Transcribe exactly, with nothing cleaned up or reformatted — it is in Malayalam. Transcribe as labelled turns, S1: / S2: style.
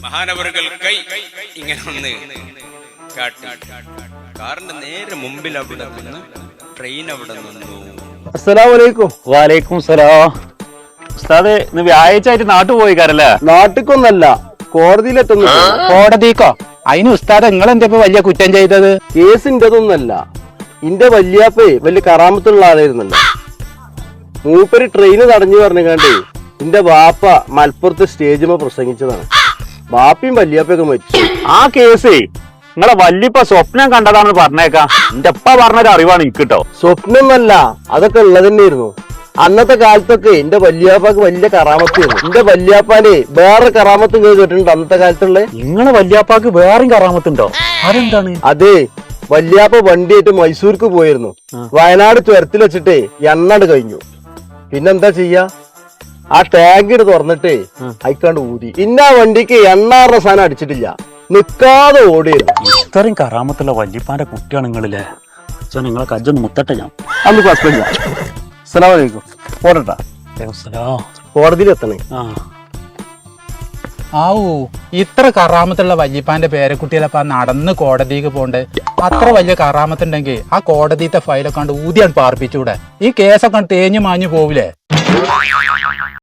S1: മഹാനവറുകൾ കൈ ഇങ്ങനെ ഒന്ന് കാട്ടി കാറിന്റെ നേരെ മുമ്പിൽ അവിടെ നിന്ന് ട്രെയിൻ അവിടെ നിന്നു.
S2: അസ്സലാമു അലൈക്കും.
S3: വാലൈക്കും സലാം. ഉസ്താദ് ഇന്ന് വ്യാഴാഴ്ച ആയിട്ട് നാട്ടു പോയിക്കാരല്ലേ?
S2: നാട്ടിക്കൊന്നല്ല, കോടതിയിലെത്തുന്നു.
S3: കോടതിക്കോ? അതിന് ഉസ്താദ് നിങ്ങൾ എന്താ വലിയ കുറ്റം ചെയ്തത്?
S2: കേസിൻ്റെതൊന്നല്ല, ഇന്റെ വല്യാപ്പേ വലിയ കറാമത്തുള്ള ആളായിരുന്നല്ലോ. മൂപ്പര് ട്രെയിന് തടഞ്ഞു പറഞ്ഞാണ്ടേ എന്റെ ബാപ്പ മലപ്പുറത്ത് സ്റ്റേജിമ പ്രസംഗിച്ചതാണ്. ബാപ്പയും വല്യാപ്പയൊക്കെ മരിച്ചു.
S3: ആ കേസ് നിങ്ങളെ വല്യപ്പ സ്വപ്നം കണ്ടതാണെന്ന് പറഞ്ഞേക്കാം. എന്റെ അപ്പ പറഞ്ഞൊരു അറിവാണ് എനിക്ക് കേട്ടോ.
S2: സ്വപ്നമല്ല, അതൊക്കെ ഉള്ളത് തന്നെയായിരുന്നു. അന്നത്തെ കാലത്തൊക്കെ എന്റെ വല്യാപ്പാക്ക് വലിയ കറാമത്തായിരുന്നു. എന്റെ വല്യാപ്പാനെ വേറെ കറാമത്തും കേട്ടിട്ടുണ്ട് അന്നത്തെ കാലത്തുള്ള.
S3: നിങ്ങളെ വല്യാപ്പാക്ക് വേറെയും കറാമത്തുണ്ടോ? അതെന്താണ്?
S2: അതെ, വല്യാപ്പ വണ്ടിയായിട്ട് മൈസൂർക്ക് പോയിരുന്നു. വയനാട് ചുരത്തിൽ വെച്ചിട്ടേ എണ്ണട് കഴിഞ്ഞു. പിന്നെന്താ ചെയ്യാ, ആ ടാങ്ക് തുറന്നിട്ടേ അയക്കാണ്ട് ഊതി. ഇന്ന ആ വണ്ടിക്ക് എണ്ണാറുടെ സാധനം അടിച്ചിട്ടില്ല, നിക്കാതെ ഓടിയിരുന്നു.
S3: ഇത്രയും കറാമത്തുള്ള വല്യപ്പാന്റെ കുട്ടിയാണ് നിങ്ങളില്ലേ? അച്ഛൻ നിങ്ങളെ കജ്ജൊന്ന് മുത്തട്ടെ ഞാൻ.
S2: അന്ന് കുഴപ്പമില്ല. അസ്സലാമു അലൈക്കും. പോടട്ടാ, കോടതിയിൽ എത്തണേ.
S4: ആവൂ, ഇത്ര കറാമത്തുള്ള വല്യപ്പാന്റെ പേരക്കുട്ടികളപ്പ നടന്ന് കോടതിക്ക് പോണ്ട്. അത്ര വലിയ കറാമത്തുണ്ടെങ്കിൽ ആ കോടതിത്തെ ഫയലൊക്കെ കണ്ട് ഊതിയാണ് പാർപ്പിച്ചൂടെ? ഈ കേസൊക്കെ തേഞ്ഞു മാഞ്ഞു പോവില്ലേ?